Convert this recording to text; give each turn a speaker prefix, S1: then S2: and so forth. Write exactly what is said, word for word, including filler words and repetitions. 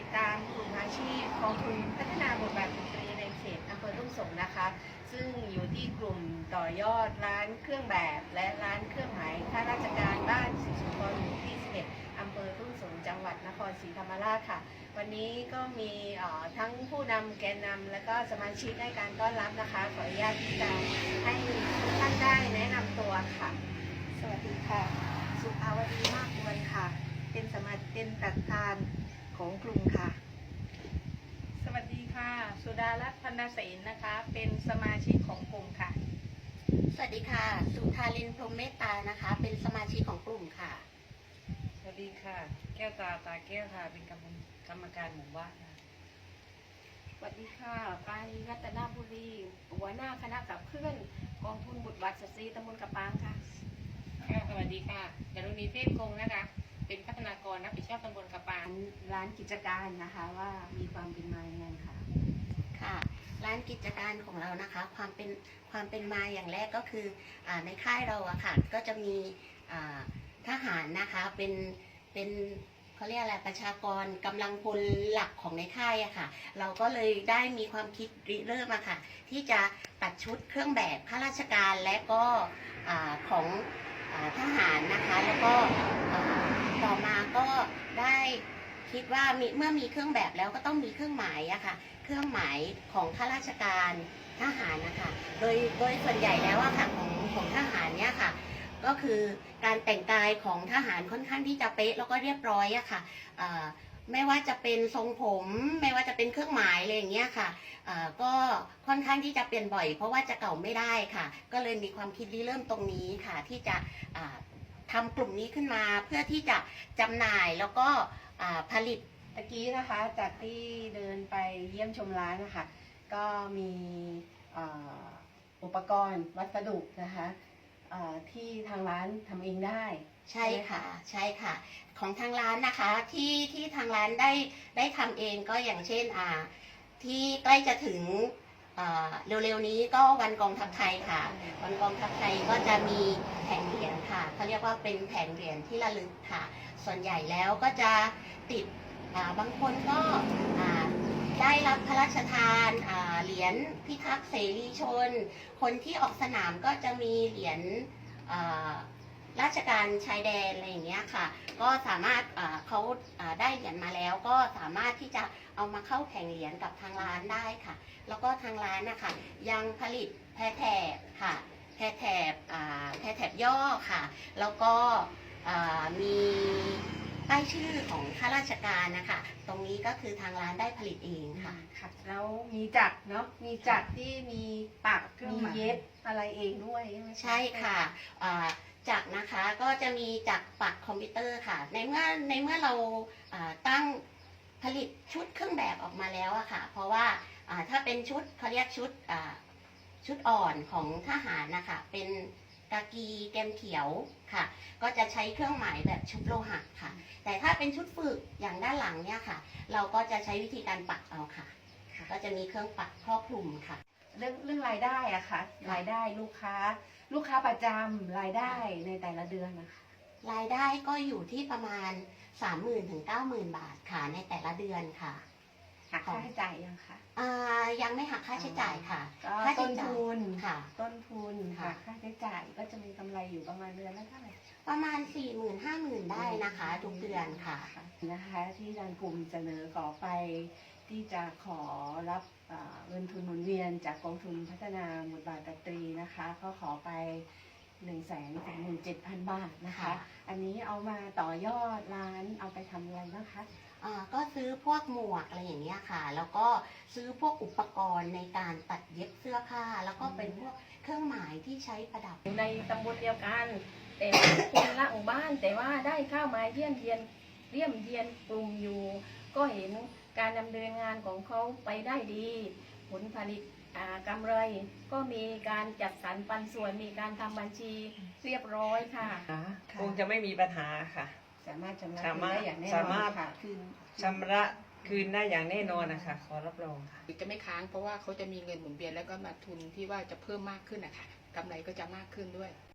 S1: การกลุ่มอาชีพกองทุนพัฒนาบทบาทสตรีในเขตอำเภอทุ่งสงนะคะซึ่งอยู่ที่กลุ่มต่อยอดร้านเครื่องแบบและร้านเครื่องหมายข้าราชการบ้านศรีสุพรรณหมู่ที่สิบเอ็ดอำเภอทุ่งสงจังหวัดนครศรีธรรมราชค่ะวันนี้ก็มีทั้งผู้นำแกนนำและก็สมาชิกให้การต้อนรับนะคะขออนุญาตที่จะให้ทุกท่านได้แนะนำตัวค่ะสวัสดีค่ะสุภาวดีมากควรค่ะเป็นสมาชิกเป็นประธานของกลุ่มค่ะ
S2: สวัสดีค่ะสุดารัตน์พันธเสนนะคะ เป็นสมาชิกของกลุ่มค่ะ
S3: สวัสดีค่ะสุธารินพรหมเมตตานะคะ เป็นสมาชิกของกลุ่มค่ะ
S4: สวัสดีค่ะแก้วตาตาแก้วค่ะเป็นกรรมกรรมการหมู่บ้านค่ะ
S1: สวัสดีค่ะปานีรัตนบุรีหัวหน้าคณะขับเคลื่อนกองทุนบุตรบัตรสตรีตำบลกระปางค่ะ
S4: สวัสดีค่ะดารุณีเทพคงนะคะเป็นพัฒนากรรับผิดชอบตำบลกระปาง
S1: ร้านกิจการนะคะว่ามีความเป็นมาอย่างไรค่ะ
S3: ค่ะร้านกิจการของเรานะคะความเป็นความเป็นมาอย่างแรกก็คืออในค่ายเราอะค่ะก็จะมีทหารนะคะเป็นเป็นเขาเรียกอะไรประชากรกำลังพลหลักของในค่ายอะค่ะเราก็เลยได้มีความคิดริเริ่มอะค่ะที่จะตัดชุดเครื่องแบบข้าราชการและก็ของทหารนะคะแล้วก็ต่อมาก็ได้คิดว่าเมื่อมีเครื่องแบบแล้วก็ต้องมีเครื่องหมายอะค่ะเครื่องหมายของข้าราชการทหารนะคะโดยโดยส่วนใหญ่แล้วอะค่ะของของทหารเนี่ยค่ะก็คือการแต่งกายของทหารค่อนข้างที่จะเป๊ะแล้วก็เรียบร้อยอะค่ะไม่ว่าจะเป็นทรงผมไม่ว่าจะเป็นเครื่องหมายอะไรอย่างเงี้ยค่ะก็ค่อนข้างที่จะเปลี่ยนบ่อยเพราะว่าจะเก่าไม่ได้ค่ะก็เลยมีความคิดริเริ่มตรงนี้ค่ะที่จะทำกลุ่มนี้ขึ้นมาเพื่อที่จะจำหน่ายแล้วก็ผลิต
S1: ตะกี้นะคะจากที่เดินไปเยี่ยมชมร้านนะคะก็มีอุปกรณ์วัสดุนะคะที่ทางร้านทำเองได้
S3: ใช่ค่ะใช่ค่ะของทางร้านนะคะที่ที่ทางร้านได้ได้ทำเองก็อย่างเช่นอ่าที่ใกล้จะถึงเร็วๆนี้ก็วันกองทัพไทยค่ะวันกองทัพไทยก็จะมีแผงเหรียญค่ะเขาเรียกว่าเป็นแผงเหรียญที่ระลึกค่ะส่วนใหญ่แล้วก็จะติดบางคนก็ได้รับพระราชทานเหรียญพิทักษ์เสรีชนคนที่ออกสนามก็จะมีเหรียญราชการชายแดนอะไรอย่างเงี้ยค่ะก็สามารถเขาได้เหรียญมาแล้วก็สามารถที่จะเอามาเข้าแข่งเหรียญกับทางร้านได้ค่ะแล้วก็ทางร้านนะคะยังผลิตแพรแถบค่ะแพรแถบแพรแถบย่อค่ะแล้วก็มีป้ายชื่อของข้าราชการนะคะตรงนี้ก็คือทางร้านได้ผลิตเองค่ะ
S1: ค่ะแล้วมีจักรเนาะมีจักรที่มีปักมีเย็บอะไรเองด้วยใช่ไหม
S3: ใช่ค่ะจักรนะคะก็จะมีจักรปักคอมพิวเตอร์ค่ะในเมื่อในเมื่อเราตั้งผลิตชุดเครื่องแบบออกมาแล้วอะค่ะเพราะว่าถ้าเป็นชุดเขาเรียกชุดชุดอ่อนของทหารนะคะเป็นกากีแกมเขียวค่ะก็จะใช้เครื่องหมายแบบชุดโลหะค่ะแต่ถ้าเป็นชุดฝึกอย่างด้านหลังเนี่ยค่ะเราก็จะใช้วิธีการปักเอาค่ะก็จะมีเครื่องปักครอบคลุมค่ะ
S1: เรื่องเรื่องรายได้อะค่ะรายได้ลูกค้าลูกค้าประจำรายได้ในแต่ละเดือนนะคะ
S3: รายได้ก็อยู่ที่ประมาณ สามหมื่น ถึง เก้าหมื่น บาทค่ะในแต่ละเดือนค่ะ
S1: หักค่าใช้จ่ายยังคะ
S3: อ่ายังไม่หักค่าใช้จ่ายค่ะ
S1: ค่าต้นทุน
S3: ค่ะ
S1: ต้นทุนหักค่าใช้จ่ายก็จะมีกำไรอยู่ประมาณเดือนละเท่าไหร่
S3: ประมาณ สี่หมื่น ห้าหมื่น ได้นะคะทุกเดือนค่ะ
S1: นะคะที่ทางกลุ่มเสนอขอไปที่จะขอรับเงินทุนหมุนเวียนจากกองทุนพัฒนาบทบาทสตรีนะคะก็ขอไปหนึ่งแสนถึงหนึ่งเจ็ดพันบาทนะคะอันนี้เอามาต่อยอดร้านเอาไปทำอะไรบ้างคะ
S3: ก็ซื้อพวกหมวกอะไรอย่างเงี้ยค่ะแล้วก็ซื้อพวกอุปกรณ์ในการตัดเย็บเสื้อผ้าแล้วก็เป็นพวกเครื่องหมายที่ใช้ประดับ
S2: ในตำบลเดียวกันแต่คนละหมู่บ้านแต่ว่าได้เข้ามาเยี่ยมเยียนเยี่ยมเยียนกลุ่มอยู่ก็เห็นการดำเนินงานของเขาไปได้ดีผลผลิตกำไรก็มีการจัดสรรปันส่วนมีการทำบัญชีเรียบร้อยค่ะ
S4: คงจะไม่มีปัญหาค่ะ
S1: สามารถชำระคืนได้อย่างแน่นอนค่ะ
S4: คืนชำระคืนได้อย่างแน่นอนนะคะขอรับรองค่ะ
S5: จะไม่ค้างเพราะว่าเขาจะมีเงินหมุนเวียนแล้วก็มาทุนที่ว่าจะเพิ่มมากขึ้นนะคะกำไรก็จะมากขึ้นด้วย